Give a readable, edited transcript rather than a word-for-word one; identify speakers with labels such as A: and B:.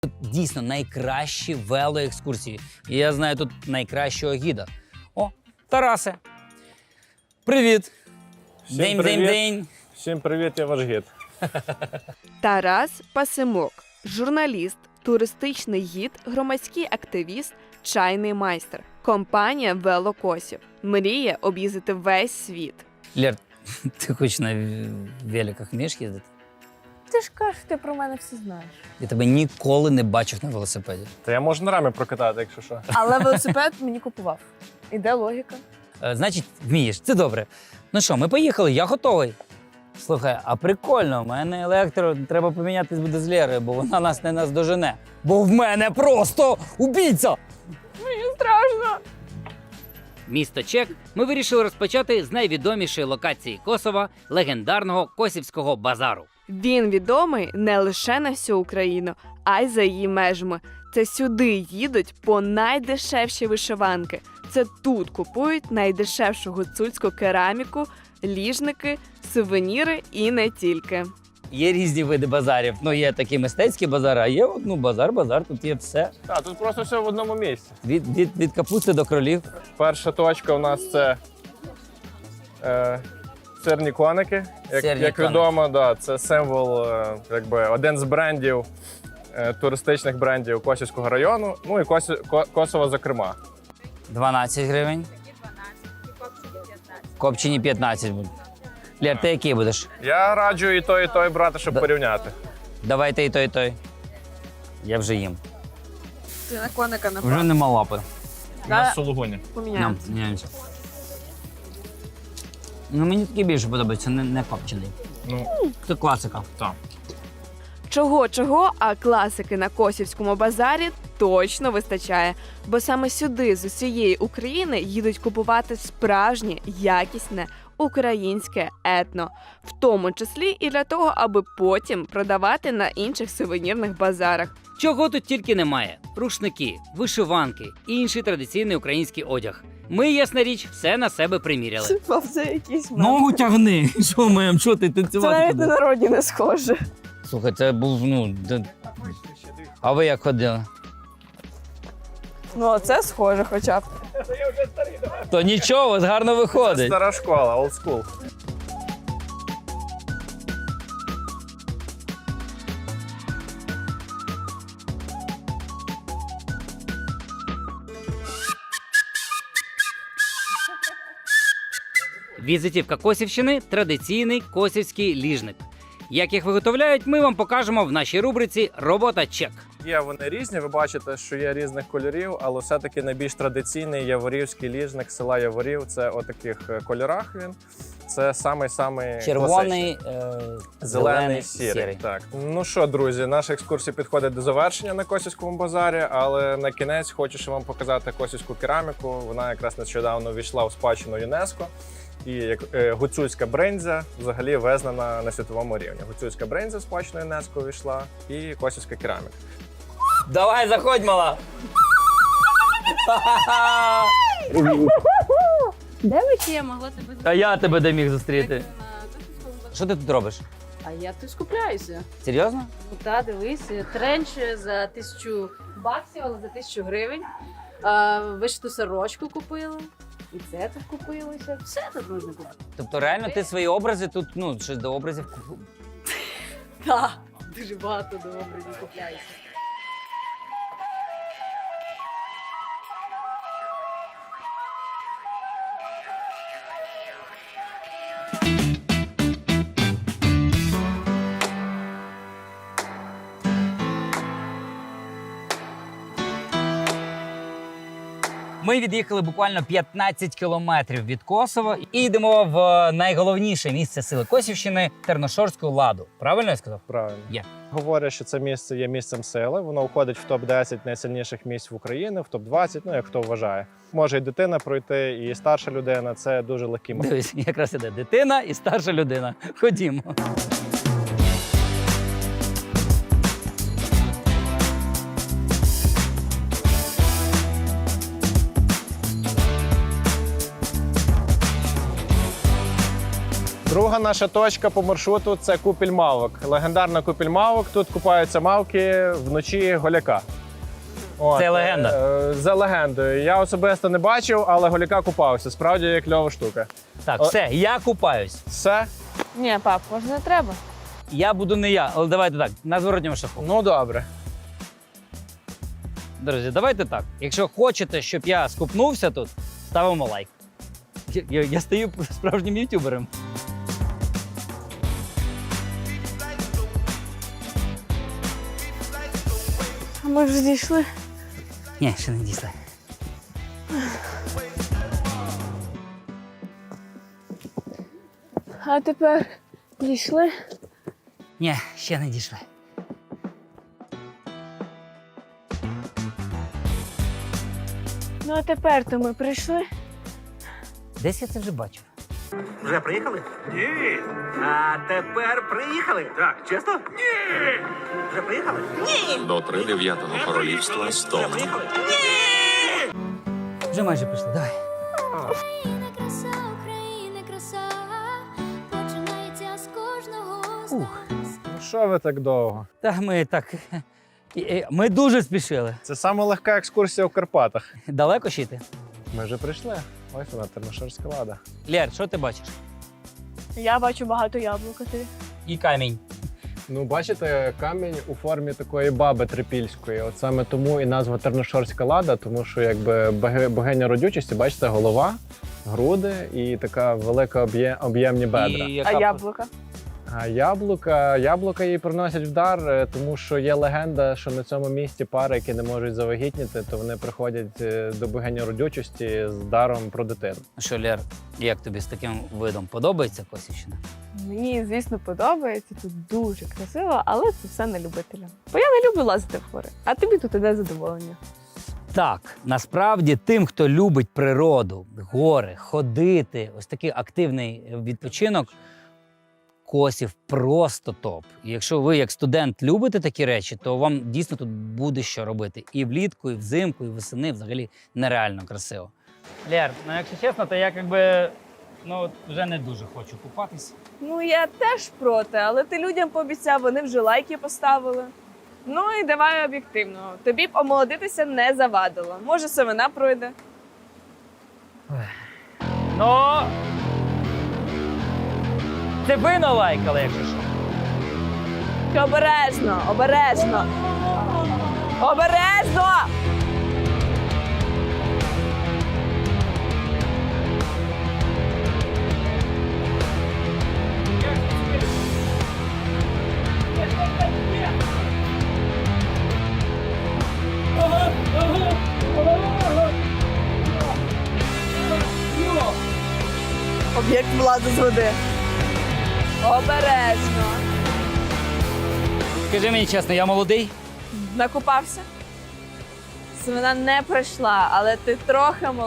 A: Тут дійсно найкращі велоекскурсії. І я знаю тут найкращого гіда. О, Тарасе. Привіт. День.
B: Всім привіт, я ваш гід.
C: Тарас Пасимок, журналіст, туристичний гід, громадський активіст, чайний майстер. Компанія Велокосів. Мріє об'їздити весь світ.
A: Лєр, ти хоч на великах вмієш їздити?
D: Ти ж кажеш, ти про мене все знаєш.
A: Я тебе ніколи не бачив на велосипеді.
B: Та я можу на рамі прокатати, якщо що.
D: Але велосипед мені купував. Іде логіка.
A: Значить, вмієш, це добре. Ну що, ми поїхали, я готовий. Слухай, а прикольно, у мене електро, треба помінятись буде з Лєрою, бо вона нас не наздожене. Бо в мене просто убійця!
D: Мені страшно.
A: Місто Чек ми вирішили розпочати з найвідомішої локації Косова – легендарного Косівського базару.
C: Він відомий не лише на всю Україну, а й за її межами. Це сюди їдуть по найдешевші вишиванки. Це тут купують найдешевшу гуцульську кераміку, ліжники, сувеніри і не тільки.
A: Є різні види базарів. Ну, є такі мистецькі базари, а є базар, тут є все.
B: Так, тут просто все в одному місці.
A: Від капусти до кролів.
B: Перша точка у нас це сирні коники. Як відомо, да, це символ, якби один з брендів, туристичних брендів Косівського району, ну і Косова, зокрема.
A: 12 гривень. Копчені 15 будуть. Лєр, ти який будеш?
B: Я раджу і той брати, щоб порівняти.
A: Давайте і той. Я вже їм.
D: Ти на коника
A: Вже
D: напав.
A: нема лапи.
D: Да.
B: Сулугуні.
D: Поміняємо.
A: Міняємося. Ну, мені такий більше подобається, не копчений.
B: Ну,
A: Це класика.
B: так.
C: Чого, а класики на Косівському базарі точно вистачає. Бо саме сюди з усієї України їдуть купувати справжнє, якісне, українське етно. В тому числі і для того, аби потім продавати на інших сувенірних базарах.
A: Чого тут тільки немає: рушники, вишиванки і інший традиційний український одяг. Ми, ясна річ, все на себе приміряли.
D: Це якийсь
A: Ногу тягни! Що маємо, що ти
D: Це
A: танцювати?
D: навіть на народні не схоже.
A: Слухай, це був, А ви як ходили?
D: Ну, а це схоже хоча б.
A: То нічого, у вас гарно виходить.
B: Стара школа, old school.
A: Візитівка Косівщини – традиційний косівський ліжник. Як їх виготовляють, ми вам покажемо в нашій рубриці «Робота Чек».
B: Є вони різні, ви бачите, що є різних кольорів, але все-таки найбільш традиційний яворівський ліжник села Яворів. Це у таких кольорах він. Це самий
A: Червоний,
B: зелений, сірий. Так. Ну що, друзі, наша екскурсія підходить до завершення на Косівському базарі, але на кінець хочу ще вам показати косівську кераміку. Вона якраз нещодавно ввійшла у спадщину ЮНЕСКО. І як гуцульська бринзя взагалі визнана на світовому рівні. Гуцульська бринзя в спадщину ЮНЕСКО увійшла і косівська кераміка.
A: Давай, заходь, мала!
E: Де ви ще могла тебе
A: А я тебе де міг зустріти? Що ти тут робиш?
E: А я тут скупляюся.
A: Серйозно?
E: Ну та дивись, тренч за 1000 баксів, але за 1000 гривень. Вишиту сорочку купила. І це тут купилося. Все тут можна купити.
A: Тобто реально ти свої образи тут, щось до образів
E: Так, дуже багато до образів купляюся.
A: Ми від'їхали буквально 15 кілометрів від Косова і йдемо в найголовніше місце сили Косівщини – Терношорську ладу. Правильно я сказав?
B: Правильно.
A: Є.
B: Говорять, що це місце є місцем сили. Воно входить в топ-10 найсильніших місць в Україні, в топ-20, ну як хто вважає. Може і дитина пройти, і старша людина. Це дуже легкий маршрут.
A: Дивись, якраз іде дитина і старша людина. Ходімо.
B: Друга Друга наша точка по маршруту – це купіль мавок. Легендарна купіль мавок. Тут купаються мавки вночі голяка. От,
A: Це легенда.
B: За легендою. Я особисто не бачив, але голяка купався. Справді кльова штука.
A: Так, все, я купаюсь.
B: Все?
D: Ні, пап, може не треба.
A: Я буду не я, але давайте так, на зворотньому шляху.
B: Ну, добре.
A: Друзі, давайте так. Якщо хочете, щоб я скупнувся тут, ставимо лайк. Я стаю справжнім ютубером.
D: А ми вже дійшли.
A: Ні, ще не дійшли.
D: А тепер дійшли.
A: Ні, ще не дійшли.
D: Ну а тепер то ми прийшли.
A: Десь я це вже бачив.
F: Вже приїхали? Ні. А тепер приїхали? Так. Чесно? Ні. Вже приїхали? Ні.
G: До 3-9 королівства Стон.
F: Приїхали?
A: Вже майже прийшли, давай.
H: Україна краса, Україна краса, починається з кожного з нас.
B: Ну, що ви так довго?
A: Та ми так. Ми дуже спішили.
B: Це саме легка екскурсія в Карпатах.
A: Далеко ще йти?
B: Ми вже прийшли. Ось вона, Терношорська лада.
A: Лєр, що ти бачиш?
D: Я бачу багато яблук, а ти.
A: І камінь.
B: Ну, бачите, камінь у формі такої баби трипільської. От саме тому і назва Терношорська лада, тому що якби богиня родючості, бачите, голова, груди і така велика об'ємні бедра.
A: І
D: А яблука?
B: А яблука їй приносять в дар, тому що є легенда, що на цьому місці пари, які не можуть завагітніти, то вони приходять до богині родючості з даром про дитину.
A: Що, Лєр, як тобі з таким видом подобається Косівщина?
D: Мені, звісно, подобається. Тут дуже красиво, але це все не любителям. Бо я не люблю лазити в гори, а тобі тут іде задоволення.
A: Так, насправді тим, хто любить природу, гори, ходити, ось такий активний відпочинок, Косів просто топ. І якщо ви як студент любите такі речі, то вам дійсно тут буде що робити. І влітку, і взимку, і восени взагалі нереально красиво. Лєр, ну якщо чесно, то я вже не дуже хочу купатись.
D: Ну, я теж проти, але ти людям пообіцяв, вони вже лайки поставили. Ну і давай об'єктивно. Тобі б омолодитися не завадило. Може, семена пройде.
A: Ну, це ви налайкали, якщо що.
D: Обережно, обережно. Обережно! Об'єкт влади з води. Обережно.
A: Скажи мені чесно, я молодий?
D: Накупався? Семена не пройшла, але ти трохи молодий.